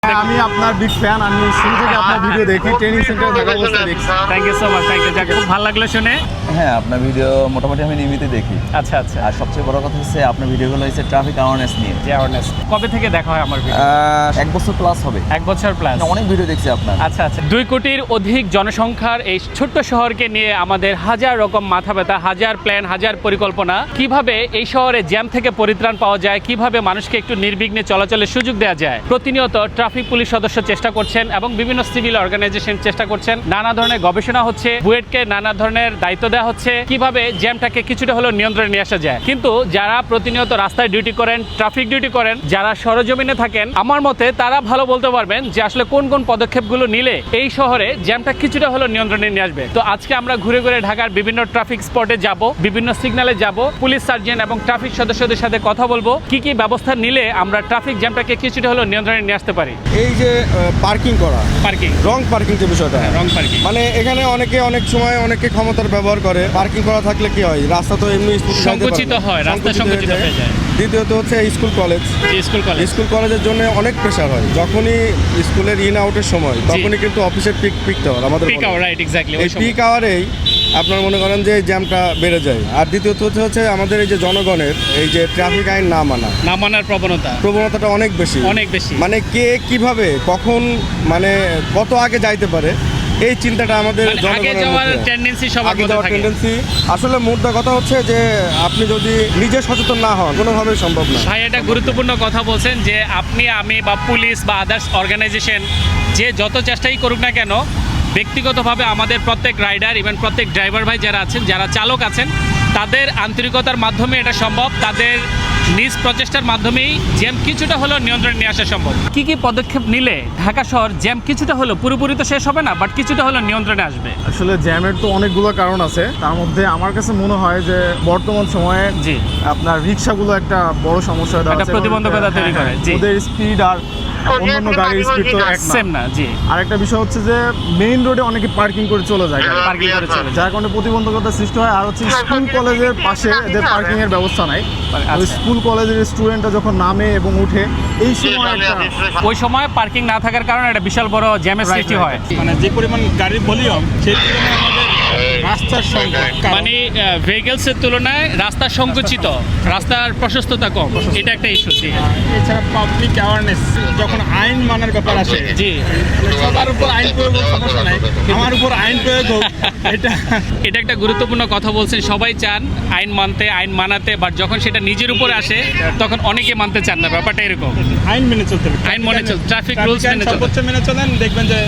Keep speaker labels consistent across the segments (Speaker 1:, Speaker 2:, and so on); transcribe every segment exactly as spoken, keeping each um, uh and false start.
Speaker 1: আমি আপনার big fan. আমি শুরু থেকে আপনার ভিডিও দেখি, ট্রেনিং সেন্টারে থাকা অবস্থায় দেখছি।
Speaker 2: Thank you so much, thank you. খুব ভালো লাগলো শুনে।
Speaker 3: হ্যাঁ, আপনার ভিডিও মোটামুটি আমি নিয়মিত দেখি।
Speaker 2: আচ্ছা আচ্ছা।
Speaker 3: আর সবচেয়ে বড় কথা হচ্ছে আপনার ভিডিওগুলো হচ্ছে ট্রাফিক অ্যাওয়ারনেস নিয়ে।
Speaker 2: যে অ্যাওয়ারনেস কবে থেকে দেখা হয় আমার ভিডিও?
Speaker 3: এক বছর প্লাস হবে।
Speaker 2: এক বছর প্লাস।
Speaker 3: অনেক ভিডিও দেখছি আপনার।
Speaker 2: আচ্ছা আচ্ছা। দুই কোটির অধিক জনসংখ্যার এই ছোট্ট শহরকে নিয়ে আমাদের হাজার রকম মাথা ব্যথা, হাজার প্ল্যান, হাজার পরিকল্পনা। কিভাবে এই শহরে জ্যাম থেকে পরিত্রাণ পাওয়া যায়, কিভাবে মানুষকে একটু নির্বিঘ্নে চলাচলের সুযোগ দেওয়া যায়। প্রতিনিয়ত ট্রাফিক পুলিশ সদস্য চেষ্টা করছেন এবং বিভিন্ন সিভিল অর্গানাইজেশন চেষ্টা করছেন। নানা ধরনের গবেষণা হচ্ছে, বুয়েটকে নানা ধরনের দায়িত্ব দেওয়া হচ্ছে কিভাবে জ্যামটাকে কিছুটা হলেও নিয়ন্ত্রণে নিয়ে আসা যায়। কিন্তু যারা প্রতিনিয়ত রাস্তায় ডিউটি করেন, ট্রাফিক ডিউটি করেন, যারা সরজমিনে থাকেন, আমার মতে তারা ভালো বলতে পারবেন যে আসলে কোন কোন পদক্ষেপগুলো নিলে এই শহরে জ্যামটা কিছুটা হলেও নিয়ন্ত্রণে নিয়ে আসবে। তো আজকে আমরা ঘুরে ঘুরে ঢাকার বিভিন্ন ট্রাফিক স্পটে যাব, বিভিন্ন সিগন্যালে যাব, পুলিশ সার্জন এবং ট্রাফিক সদস্যদের সাথে কথা বলবো কি কি ব্যবস্থা নিলে আমরা ট্রাফিক জ্যামটাকে কিছুটা হলেও নিয়ন্ত্রণে নিয়ে আসতে পারি।
Speaker 1: এই যে পার্কিং করা,
Speaker 2: পার্কিং,
Speaker 1: রং পার্কিং যে বিষয়টা,
Speaker 2: রং পার্কিং,
Speaker 1: মানে এখানে অনেকে অনেক সময় অনেকে ক্ষমতার ব্যবহার করে। পার্কিং করা থাকলে কি হয়, রাস্তা তো এমনি
Speaker 2: সংকুচিত হয়, রাস্তা সংকুচিত হয়ে যায়।
Speaker 1: দ্বিতীয়ত হচ্ছে school college,
Speaker 2: school college
Speaker 1: school কলেজের জন্য অনেক প্রেশার হয়। যখনই স্কুলের ইন আউটের সময় তখনই কিন্তু অফিসের পিক পিক আওয়ার আমাদের
Speaker 2: পিক আওয়ার, রাইট, এক্স্যাক্টলি।
Speaker 1: এই পিক আওয়ারেই আপনার মনে করেন যে জ্যামটা বেড়ে যায়। আর দ্বিতীয়ত হচ্ছে আমাদের এই যে জনগণের এই যে ট্রাফিক আইন না মানা
Speaker 2: না মানার প্রবণতা
Speaker 1: প্রবণতাটা অনেক বেশি
Speaker 2: অনেক বেশি।
Speaker 1: মানে কে কিভাবে কখন মানে কত আগে যাইতে পারে এই চিন্তাটা আমাদের
Speaker 2: আগে যাওয়ার টেন্ডেন্সি সবার মধ্যে থাকে।
Speaker 1: টেন্ডেন্সি আসলে মুদ্রা কথা হচ্ছে যে আপনি যদি নিজে সচেতন না হন কোনোভাবেই সম্ভব না।
Speaker 2: ভাই এটা গুরুত্বপূর্ণ কথা বলছেন যে আপনি, আমি বা পুলিশ বা আদার্স অর্গানাইজেশন যে যত চেষ্টাই করুক না কেন, ব্যক্তিগতভাবে আমাদের প্রত্যেক রাইডার, ইভেন প্রত্যেক ড্রাইভার ভাই যারা আছেন, যারা চালক আছেন, তাদের আন্তরিকতার মাধ্যমে এটা সম্ভব। তাদের নিজ প্রচেষ্টার মাধ্যমেই জ্যাম কিছুটা হলেও নিয়ন্ত্রণে নিয়ে আসা সম্ভব। কি কি পদক্ষেপ নিলে ঢাকা শহর জ্যাম কিছুটা হলেও, পুরোপুরি তো শেষ হবে না, বাট কিছুটা হলেও নিয়ন্ত্রণে আসবে?
Speaker 1: আসলে জ্যামের তো অনেকগুলো কারণ আছে। তার মধ্যে আমার কাছে মনে হয় যে বর্তমান সময়ে
Speaker 2: জি
Speaker 1: আপনার রিক্সাগুলো একটা বড় সমস্যা হয়ে দাঁড়াচ্ছে।
Speaker 2: প্রতিবন্ধকতা তৈরি করে। জি,
Speaker 1: ওদের স্পিড আর অন্যান্য গাড়ির স্পিড তো এক
Speaker 2: সেম না। জি,
Speaker 1: আরেকটা বিষয় হচ্ছে যে মেইন রোডে অনেকে পার্কিং করে চলে যায়,
Speaker 2: পার্কিং করে চলে যায়,
Speaker 1: যার কারণে প্রতিবন্ধকতা সৃষ্টি হয়। আর হচ্ছে স্কুল কলেজের পাশে এদের পার্কিং এর ব্যবস্থা নাই। ওই স্কুল কলেজের স্টুডেন্টরা যখন নামে এবং উঠে এই সময় একটা
Speaker 2: ওই সময় পার্কিং না থাকার কারণে একটা বিশাল বড় জ্যামের সৃষ্টি হয়।
Speaker 4: মানে যে পরিমাণ গাড়ির ভলিউম সেই তুলনায় আমাদের রাস্তার সংখ্যা,
Speaker 2: মানে ভেহিকলস এর তুলনায় রাস্তা সংকুচিত, রাস্তার প্রশস্ততা কম, এটা একটা ইস্যু। জি,
Speaker 4: এছাড়া পাবলিক অ্যাওয়ারনেস, যখন আইন মানার ব্যাপার আসে,
Speaker 2: জি,
Speaker 4: সবার উপর আইন প্রয়োগ সমস্যা নাই, আমার উপর আইন প্রয়োগ হোক, এটা
Speaker 2: এটা একটা গুরুত্বপূর্ণ কথা বলছেন। সবাই চান আইন মানতে, আইন মানাতে, বাট যখন সেটা নিজের উপরে আসে তখন অনেকে মানতে চান না। ব্যাপারটা এরকম।
Speaker 4: আইন মেনে চলতে হবে,
Speaker 2: আইন মেনে চল, ট্রাফিক রুলস মেনে চল,
Speaker 4: সর্বোচ্চ মেনে চলেন, দেখবেন যে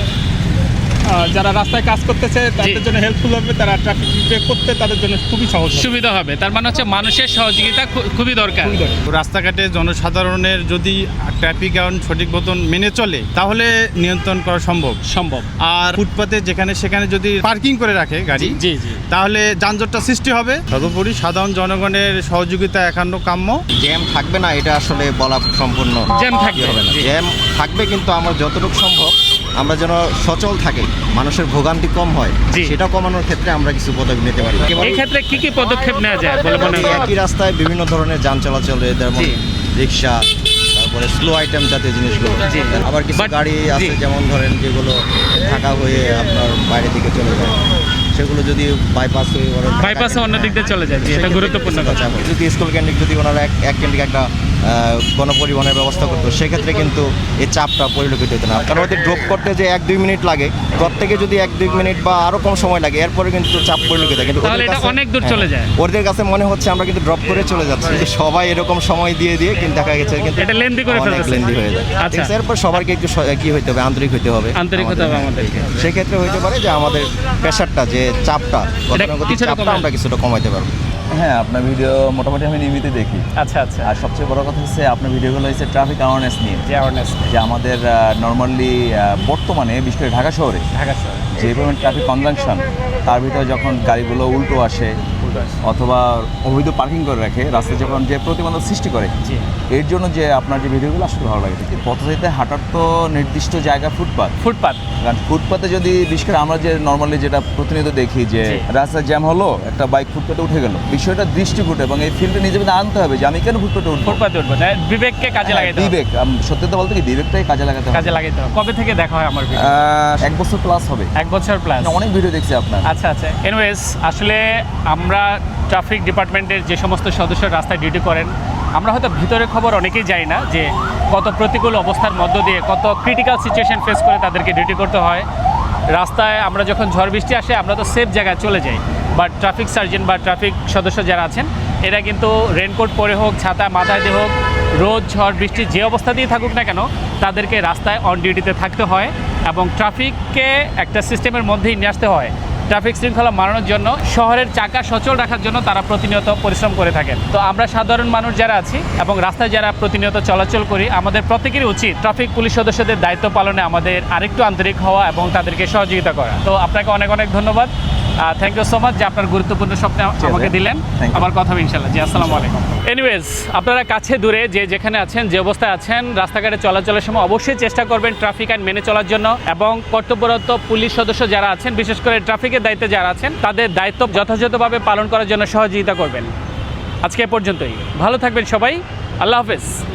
Speaker 4: আহ, যারা রাস্তায় কাজ করতেছে তাদের জন্য হেল্পফুল হবে, তারা ট্রাফিক ব্রেক করতে তাদের জন্য খুবই সহজ হবে।
Speaker 2: সুবিধা হবে। তার মানে হচ্ছে মানুষের সহযোগিতা খু- খুবই দরকার।
Speaker 5: রাস্তাঘাটে জনসাধারণের যদি ট্রাফিক আইন সঠিক মতন মেনে চলে তাহলে নিয়ন্ত্রণ করা সম্ভব
Speaker 2: সম্ভব।
Speaker 5: আর ফুটপাতে যেখানে সেখানে যদি পার্কিং করে রাখে গাড়ি,
Speaker 2: জি জি,
Speaker 5: তাহলে যানজটটা সৃষ্টি হবে। সর্বোপরি সাধারণ জনগণের সহযোগিতা একান্ন কাম্য।
Speaker 6: জ্যাম থাকবে না এটা আসলে বলা সম্পূর্ণ
Speaker 2: জ্যাম থাকবে
Speaker 6: হবে না।
Speaker 2: জি।
Speaker 6: জ্যাম থাকবে, কিন্তু আমরা যতটুকু সম্ভব আমরা যেন সচল থাকি, মানুষের ভোগান্তি কম হয়,
Speaker 2: জি।
Speaker 6: সেটা কমানোর ক্ষেত্রে আমরা কিছু পদক্ষেপ নিতে পারি।
Speaker 2: এই ক্ষেত্রে কি কি পদক্ষেপ নেওয়া যায় বলে মনে
Speaker 6: এই
Speaker 2: হয়?
Speaker 6: একই রাস্তায় বিভিন্ন ধরনের যান চলাচল, যেমন
Speaker 2: জি।
Speaker 6: রিক্সা, তারপরে স্লো আইটেম জাতীয় জিনিসগুলো,
Speaker 2: জি।
Speaker 6: আবার কিছু
Speaker 2: But-
Speaker 6: গাড়ি আছে
Speaker 2: জি।
Speaker 6: যেমন ধরেন যেগুলো ঢাকা হয়ে আপনার বাইরের দিকে চলে যায়, সেগুলো যদি বাইপাস হয়ে ওরা
Speaker 2: বাইপাসে অন্য দিক দিয়ে চলে যায়। জি, এটা গুরুত্বপূর্ণ কথা।
Speaker 6: যদি স্কুল কেন্দ্রিক যদি ওনারা এক এক কেন্দ্রিক একটা আহ, গণপরিবহনের ব্যবস্থা করতো, সেক্ষেত্রে কিন্তু এই চাপটা পরিলক্ষিত হতো না। কারণ ওদের ড্রপ করতে যে এক দুই মিনিট লাগে, প্রত্যেকে যদি এক দুই মিনিট বা আরও কম সময় লাগে, এরপরে কিন্তু চাপ পরিলক্ষিত হয়। কিন্তু
Speaker 2: তাহলে
Speaker 6: ওদের
Speaker 2: এটা
Speaker 6: কাছে-
Speaker 2: অনেক দূর
Speaker 6: হ্যাঁ,
Speaker 2: চলে যায়।
Speaker 6: ওদের কাছে মনে হচ্ছে আমরা কিন্তু ড্রপ করে চলে যাচ্ছি, কিন্তু সবাই এরকম সময় দিয়ে দিয়ে কিন্তু দেখা গেছে কিন্তু
Speaker 2: এটা lengthy করে
Speaker 6: অনেক
Speaker 2: ফেলতেছে।
Speaker 6: লেন্দি হয়ে যায়।
Speaker 2: আচ্ছা।
Speaker 6: ঠিক আছে, এরপর সবাইকে একটু স- কি হইতে হবে, আন্তরিক হইতে হবে।
Speaker 2: আন্তরিক হতে হবে আমাদেরকে।
Speaker 6: সেক্ষেত্রে হইতে পারে যে আমাদের প্রেশারটা, যে চাপটা, গতানুগতিক
Speaker 2: কিছুটা
Speaker 6: চাপটা
Speaker 2: কমানো।
Speaker 6: আমরা কিছুটা কমাইতে পারবো।
Speaker 3: হ্যাঁ, আপনার ভিডিও মোটামুটি আমি নিয়মিত দেখি।
Speaker 2: আচ্ছা আচ্ছা।
Speaker 3: আর সবচেয়ে বড় কথা হচ্ছে আপনার ভিডিওগুলো হচ্ছে ট্রাফিক অ্যাওয়ারনেস নিয়ে।
Speaker 2: যে অ্যাওয়ারনেস
Speaker 3: যে আমাদের নর্মালি বর্তমানে বিশেষ করে ঢাকা শহরে
Speaker 2: ঢাকা শহর,
Speaker 3: যে পরিমাণ ট্রাফিক কনজাংশন, তার ভিতরে যখন গাড়িগুলো উল্টো আসে অথবা অবৈধ পার্কিং করে রাখে, রাস্তায় যখন যে প্রতিবন্ধক সৃষ্টি করে,
Speaker 2: জি,
Speaker 3: এর জন্য যে আপনার যে ভিডিওগুলো আসলে ভালো লাগে পথচারীতে হাঁটার তো নির্দিষ্ট জায়গা ফুটপাত
Speaker 2: ফুটপাত
Speaker 3: কারণ ফুটপাতে যদি বিশেষ করে আমরা যে নর্মালি যেটা প্রতিনিয়ত দেখি যে
Speaker 2: জি।
Speaker 3: রাস্তায় জ্যাম হলো একটা বাইক ফুটপাতে উঠে গেল বিষয়টা দৃষ্টিকূট এবং এই ফিল্ডে নিজে মধ্যে আনতে হবে যে আমি কেন ফুটপাতে উঠবো
Speaker 2: ফুটপাতে উঠবো তাই বিবেককে কাজে লাগাইতে হবে।
Speaker 3: বিবেক আম, সত্যি তো বলতে কি বিবেকটাই কাজে লাগাতে হবে
Speaker 2: কাজে লাগাইতে হবে। কবে থেকে দেখা হয় আমার ভিডিও?
Speaker 3: আহ, এক বছর প্লাস হবে
Speaker 2: এক বছর প্লাস।
Speaker 3: অনেক ভিডিও দেখছি আপনার
Speaker 2: আচ্ছা আচ্ছা এনিওয়েজ আসলে আমরা ট্রাফিক ডিপার্টমেন্টের যে সমস্ত সদস্য রাস্তায় ডিউটি করেন আমরা হয়তো ভিতরের খবর অনেকেই জানি না যে কত প্রতিকূল অবস্থার মধ্য দিয়ে কত ক্রিটিক্যাল সিচুয়েশন ফেস করে তাদেরকে ডিউটি করতে হয়। রাস্তায় আমরা যখন ঝড় বৃষ্টি আসে আমরা তো সেফ জায়গায় চলে যাই, বাট ট্রাফিক সার্জেন্ট বা ট্রাফিক সদস্য যারা আছেন এরা কিন্তু রেনকোট পরে হোক, ছাতা মাথায় দিয়ে হোক, রোদ ঝড় বৃষ্টি যে অবস্থা দিয়ে থাকুক না কেন তাদেরকে রাস্তায় অন ডিউটিতে থাকতে হয় এবং ট্রাফিককে একটা সিস্টেমের মধ্যেই নিয়ে আসতে হয়। ট্রাফিক শৃঙ্খলা মানানোর জন্য শহরের চাকা সচল রাখার জন্য তারা প্রতিনিয়ত পরিশ্রম করে থাকেন। তো আমরা সাধারণ মানুষ যারা আছি এবং রাস্তায় যারা প্রতিনিয়ত চলাচল করি আমাদের প্রত্যেকেরই উচিত ট্রাফিক পুলিশ সদস্যদের দায়িত্ব পালনে আমাদের আরেকটু আন্তরিক হওয়া এবং তাদেরকে সহযোগিতা করা। তো আপনাকে অনেক অনেক ধন্যবাদ, থ্যাংক ইউ সো মাচ যে আপনার গুরুত্বপূর্ণ স্বপ্ন আমাকে দিলেন।
Speaker 3: Thank you.
Speaker 2: আবার কথা হবে ইনশাল্লাহ। জি আসসালামু আলাইকুম। এনিওয়েজ আপনারা কাছে দূরে যে যেখানে আছেন যে অবস্থায় আছেন রাস্তাঘাটে চলাচলের সময় অবশ্যই চেষ্টা করবেন ট্রাফিক আইন মেনে চলার জন্য এবং কর্তব্যরত পুলিশ সদস্য যারা আছেন বিশেষ করে ট্রাফিকের দায়িত্বে যারা আছেন তাদের দায়িত্ব যথাযথভাবে পালন করার জন্য সহযোগিতা করবেন। আজকে এ পর্যন্তই, ভালো থাকবেন সবাই, আল্লাহ হাফেজ।